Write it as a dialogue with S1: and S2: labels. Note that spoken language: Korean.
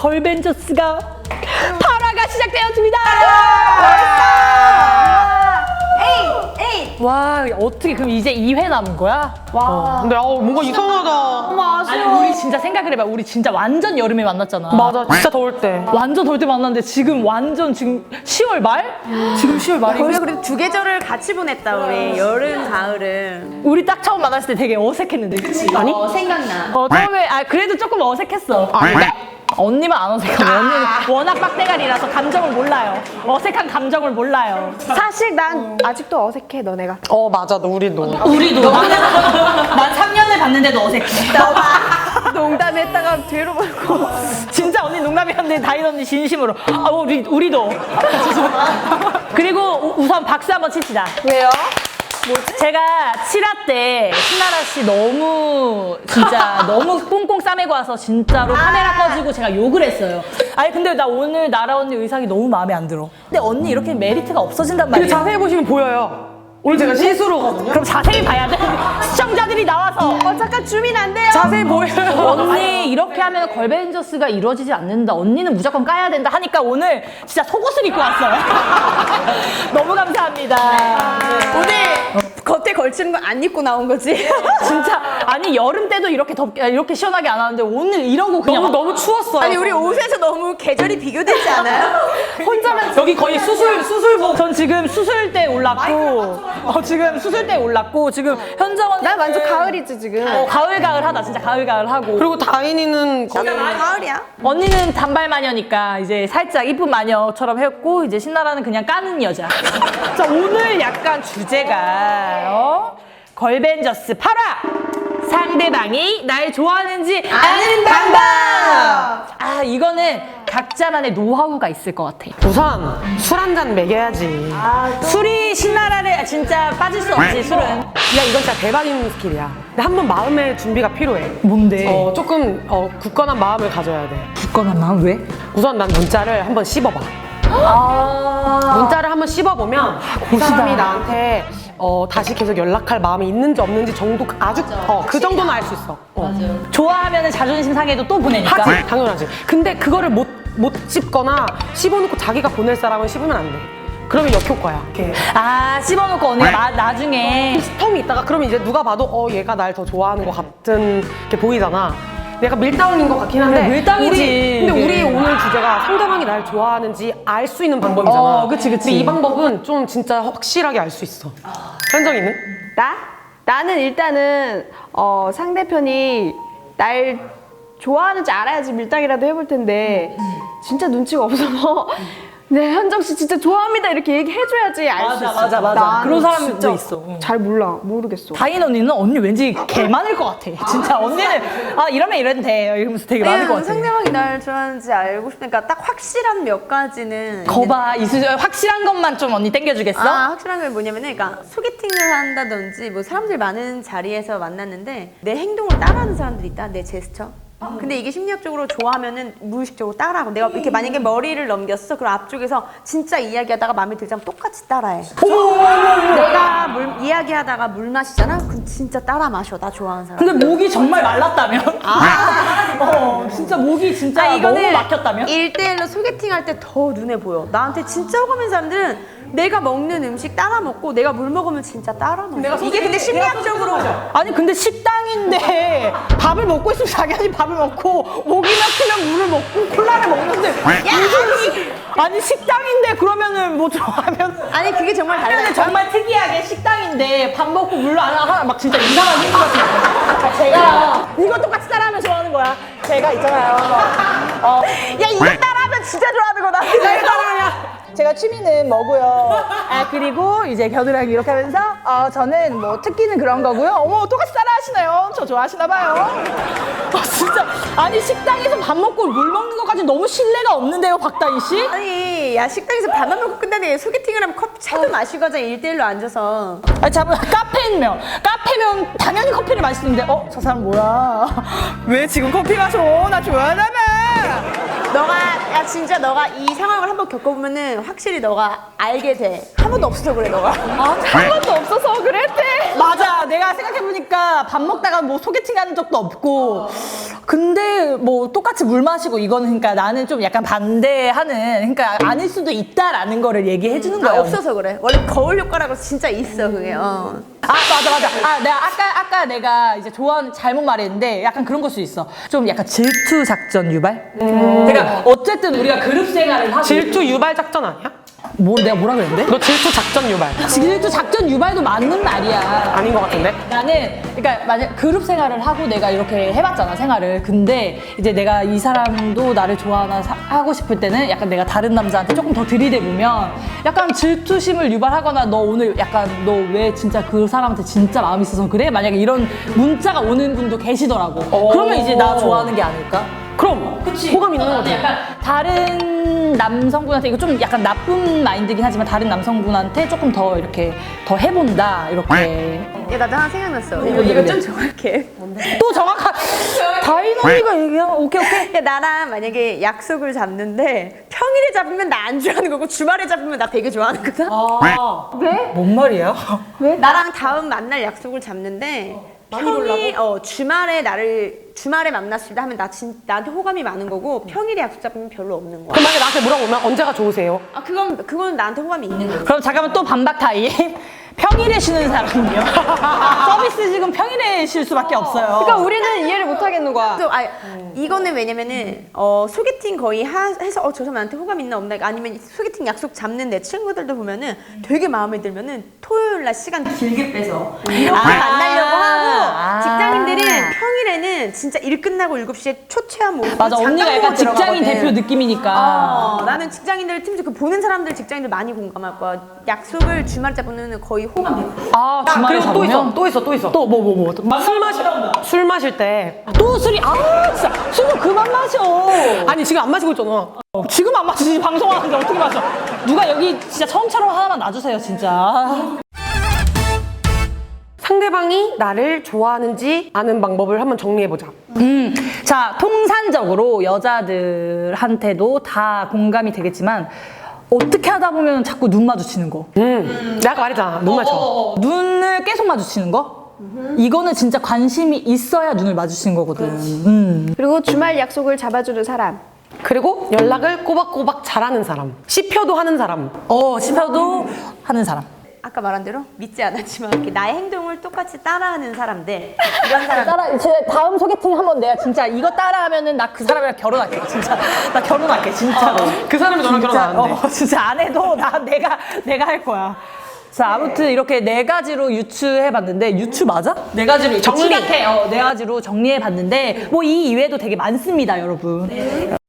S1: 걸벤져스가 8화가 시작되었습니다. 와, 어떻게 그럼 이제 2회 남은 거야?
S2: 와.
S3: 근데 뭔가 이상하다.
S2: 너무
S1: 아니,
S2: 아쉬워.
S1: 우리 진짜 생각을 해봐. 우리 진짜 완전 여름에 만났잖아.
S3: 맞아, 진짜 더울 때.
S1: 완전 더울 때 만났는데 지금 완전 지금 10월 말? 지금 10월 말이고.
S2: 우리가 그래도 두 계절을 같이 보냈다 우리. 여름, 가을은.
S1: 우리 딱 처음 만났을 때 되게 어색했는데, 그치?
S3: 아니?
S2: 생각나.
S1: 처음에 그래도 조금 어색했어.
S3: 아닌데?
S1: 언니만 안 어색하고 언니는 워낙 빡대가리라서 감정을 몰라요. 어색한 감정을 몰라요.
S2: 사실 난 아직도 어색해 너네가.
S3: 맞아, 우리도.
S1: 우리도. 난 3년을 봤는데도 어색해.
S2: 농담했다가 뒤로 보고.
S1: 진짜 언니 농담이었는데 다인 언니 진심으로. 우리도. 그리고 우선 박수 한번 칩시다.
S2: 왜요?
S1: 제가 7화 때 신나라 씨 너무 진짜 너무 꽁꽁 싸매고 와서 진짜로 카메라 꺼지고 제가 욕을 했어요. 아니 근데 나 오늘 나라 언니 의상이 너무 마음에 안 들어. 근데 언니 이렇게 메리트가 없어진단
S3: 근데
S1: 말이야.
S3: 자세히 보시면 보여요. 오늘 제가 실수로거든요.
S1: 그럼 자세히 봐야 돼. 시청자들이 나와서
S2: 잠깐 주민 안 돼요.
S3: 자세히 보여요.
S1: 언니 이렇게 하면 걸벤져스가 이루어지지 않는다. 언니는 무조건 까야 된다 하니까 오늘 진짜 속옷을 입고 왔어요. 너무 감사합니다.
S2: 오늘 겉에 걸치는 거 안 입고 나온 거지?
S1: 진짜 아니 여름 때도 이렇게 시원하게 안 하는데 오늘 이러고 그냥
S3: 너무 추웠어요.
S2: 아니 우리 옷에서 너무 계절이 비교되지 않아요?
S1: 혼자만 여기 거의 수술복. 전 지금 수술대 올랐고 지금 수술대 올랐고 지금 현정언니
S2: 난 완전 가을이지 지금.
S1: 가을하다 진짜 가을하고
S3: 그리고 다인이는 거의
S2: 가을이야.
S1: 언니는 단발 마녀니까 이제 살짝 이쁜 마녀처럼 했고 이제 신나라는 그냥 까는 여자. 자 오늘 약간 주제가 걸벤져스 8화 상대방이 날 좋아하는지 아는 방법. 이거는 각자만의 노하우가 있을 것 같아.
S3: 우선 술 한 잔 먹여야지.
S1: 술이 신나라를 진짜 빠질 수 없지 술은.
S3: 야, 이건 진짜 대박인 스킬이야. 근데 한 번 마음의 준비가 필요해.
S1: 뭔데?
S3: 조금 굳건한 마음을 가져야 돼.
S1: 굳건한 마음 왜?
S3: 우선 난 문자를 한번 씹어봐. 문자를 한번 씹어보면 이 사람이 나한테 다시 계속 연락할 마음이 있는지 없는지 정도 아주 그 정도는 알 수 있어.
S1: 좋아하면 자존심 상해도 또 보내니까.
S3: 하지, 당연하지. 근데 그거를 못 씹거나 씹어놓고 자기가 보낼 사람은 씹으면 안 돼. 그러면 역효과야. 이렇게
S1: 씹어놓고 언니가 나중에
S3: 스톰이 있다가 그러면 이제 누가 봐도 얘가 날 더 좋아하는 것 같은 게 보이잖아. 내가 밀당인 것 같긴 한데
S1: 밀당이지.
S3: 근데 우리 오늘 주제가 상대방이 날 좋아하는지 알 수 있는 방법이잖아.
S1: 그치.
S3: 근데 이 방법은 좀 진짜 확실하게 알 수 있어. 현정이는?
S2: 나는 일단은 상대편이 날 좋아하는지 알아야지 밀당이라도 해볼 텐데 진짜 눈치가 없어서 네, 현정 씨 진짜 좋아합니다 이렇게 얘기해줘야지 알 수 있어.
S1: 맞아. 그런 사람도
S2: 진짜
S1: 있어.
S2: 잘 모르겠어.
S1: 다인 언니는 언니 왠지 개 많을 것 같아. 진짜 언니는 이러면 이래도 돼 이러면서 되게 많을 것 같아.
S2: 상대방이 날 좋아하는지 알고 싶으니까 딱 확실한 몇 가지는
S1: 거봐 확실한 것만 좀 언니 땡겨주겠어?
S2: 확실한 게 뭐냐면은 그러니까 소개팅을 한다든지 뭐 사람들 많은 자리에서 만났는데 내 행동을 따라하는 사람들이 있다. 내 제스처. 근데 이게 심리학적으로 좋아하면은 무의식적으로 따라하고 내가 이렇게 만약에 머리를 넘겼어 그럼 앞쪽에서 진짜 이야기하다가 마음에 들지 않으면 똑같이 따라해. 내가 이야기하다가 물 마시잖아? 그럼 진짜 따라 마셔. 나 좋아하는 사람.
S1: 근데 목이 정말 말랐다면? 진짜 목이 진짜 너무 막혔다면?
S2: 1대1로 소개팅 할 때 더 눈에 보여. 나한테 진짜 호감 있는 사람들은 내가 먹는 음식 따라 먹고 내가 물 먹으면 진짜 따라 먹어. 이게 근데 심리학적으로
S1: 아니 근데 식당인데 밥을 먹고 있으면 자기한테 밥을 먹고 목이 막히면 물을 먹고 콜라를 먹는데 아니 식당인데 그러면은 뭐 좋아하면
S2: 아니 그게 정말
S1: 근데
S2: 달라요.
S1: 정말 특이하게 식당인데 밥 먹고 물로 안 하나 막 진짜 이상한 생각이 제가 이거 똑같이 따라하면 좋아하는 거야. 제가 있잖아요. 야 이거 따라하면 진짜 좋아하는 거다. 이거 따라하면. 제가 취미는 뭐고요. 그리고 이제 겨드랑이 이렇게 하면서 저는 뭐 특기는 그런 거고요. 어머 똑같이 따라 하시네요. 저 좋아하시나 봐요. 진짜 아니 식당에서 밥 먹고 물 먹는 것까지 너무 신뢰가 없는데요, 박다희 씨?
S2: 아니 야 식당에서 밥만 먹고 끝나네. 소개팅을 하면 커피 차도 마시고 하자. 1대1로 앉아서.
S1: 아니 잠깐 카페면 당연히 커피를 마시는데 저 사람 뭐야? 왜 지금 커피 마셔? 나 좋아하나 봐.
S2: 야 진짜 너가 이 상황을 한번 겪어보면은 확실히 너가 알게 돼. 한 번도 없어서 그래 너가.
S1: 한 번도 없어서 그랬대. 맞아. 내가 생각해보니까 밥 먹다가 뭐 소개팅 하는 적도 없고 근데 뭐 똑같이 물 마시고 이거는 그러니까 나는 좀 약간 반대하는 그러니까 아닐 수도 있다라는 거를 얘기해 주는 거야.
S2: 없어서 그래. 원래 거울 효과라고 진짜 있어 그게.
S1: 아 맞아. 아 내가 아까 내가 이제 좋아하는 잘못 말했는데 약간 그런 걸 수 있어. 좀 약간 질투 작전 유발. 그러니까 어쨌든 우리가 그룹 생활을 하고
S3: 질투 유발 작전 아니야?
S1: 뭐 내가 뭐라 그랬는데?
S3: 너 질투 작전 유발.
S1: 질투 작전 유발도 맞는 말이야.
S3: 아닌 것 같은데?
S1: 나는 그러니까 만약 그룹 생활을 하고 내가 이렇게 해봤잖아 생활을. 근데 이제 내가 이 사람도 나를 좋아하나 하고 싶을 때는 약간 내가 다른 남자한테 조금 더 들이대보면 약간 질투심을 유발하거나 너 오늘 약간 너 왜 진짜 그 사람한테 진짜 마음 있어서 그래? 만약에 이런 문자가 오는 분도 계시더라고. 그러면 이제 나 좋아하는 게 아닐까?
S3: 그럼 호감 있는 거지.
S1: 약간 다른 남성분한테 이거 좀 약간 나쁜 마인드긴 하지만 다른 남성분한테 조금 더 이렇게 더 해본다 이렇게.
S2: 야 나도 하나 생각났어. 이거 좀 정확해.
S1: 또 정확한 다인 언니가 얘기한 오케이.
S2: 야 나랑 만약에 약속을 잡는데 평일에 잡으면 나 안 좋아하는 거고 주말에 잡으면 나 되게 좋아하는 거다.
S1: 뭔 말이야?
S2: 나랑 다음 만날 약속을 잡는데 평일 주말에 만났을 때 하면 나한테 호감이 많은 거고 평일에 약속 잡으면 별로 없는 거야.
S3: 그럼 만약에 나한테 물어보면 언제가 좋으세요?
S2: 아 그건 나한테 호감이 있는 거야.
S1: 그럼 잠깐만 또 반박 타임. 평일에 쉬는 사람이요. 서비스직은 평일에 쉴 수밖에 없어요.
S4: 그러니까 우리는 이해를 못 하겠는 거야.
S2: 이거는 왜냐면은 소개팅 거의 해서 저 사람 나한테 호감 있나 없나 아니면 소개팅 약속 잡는 내 친구들도 보면은 되게 마음에 들면은 토요일 날 시간 길게 빼서 이렇게 만나려고 하고 직장인들은 평일에는 진짜 일 끝나고 7시에 초췌한 모습
S1: 맞아 언니가 약간 직장인 대표 느낌이니까.
S2: 나는 직장인들 팀즈 그 보는 사람들 직장인들 많이 공감할 거야. 약속을 주말에 잡으면 거의 호감 돼.
S1: 아 주말에
S3: 그리고
S1: 잡으면?
S3: 또 있어.
S1: 또 뭐.
S3: 술 마실 때.
S1: 또 술이 진짜 술을 그만 마셔.
S3: 아니 지금 안 마시고 있잖아.
S1: 지금 안 마시지 방송하는데 어떻게 마셔? 누가 여기 진짜 처음처럼 하나만 놔주세요 진짜.
S3: 상대방이 나를 좋아하는지 아는 방법을 한번 정리해보자.
S1: 자 통산적으로 여자들한테도 다 공감이 되겠지만 어떻게 하다 보면 자꾸 눈 마주치는 거.
S3: 내가 아까 말했잖아. 눈 맞춰.
S1: 눈을 계속 마주치는 거? 이거는 진짜 관심이 있어야 눈을 마주치는 거거든.
S4: 그리고 주말 약속을 잡아주는 사람.
S3: 그리고 연락을 꼬박꼬박 잘하는 사람. 씹혀도 하는 사람.
S1: 씹혀도 하는 사람.
S2: 아까 말한 대로 믿지 않았지만 이렇게 나의 행동을 똑같이 따라하는 사람들 이런 사람
S1: 제 다음 소개팅 한번 내가 진짜 이거 따라하면은 나 그 사람이랑 결혼할게 진짜. 나 결혼할게 진짜로.
S3: 그 사람이 너랑 결혼 안 해.
S1: 진짜 안 해도 내가 할 거야. 자 아무튼 이렇게 4가지로 유추해봤는데 유추 맞아? 4가지로
S3: 정리.
S1: 네 가지로 정리해봤는데 뭐 이 이외에도 되게 많습니다 여러분.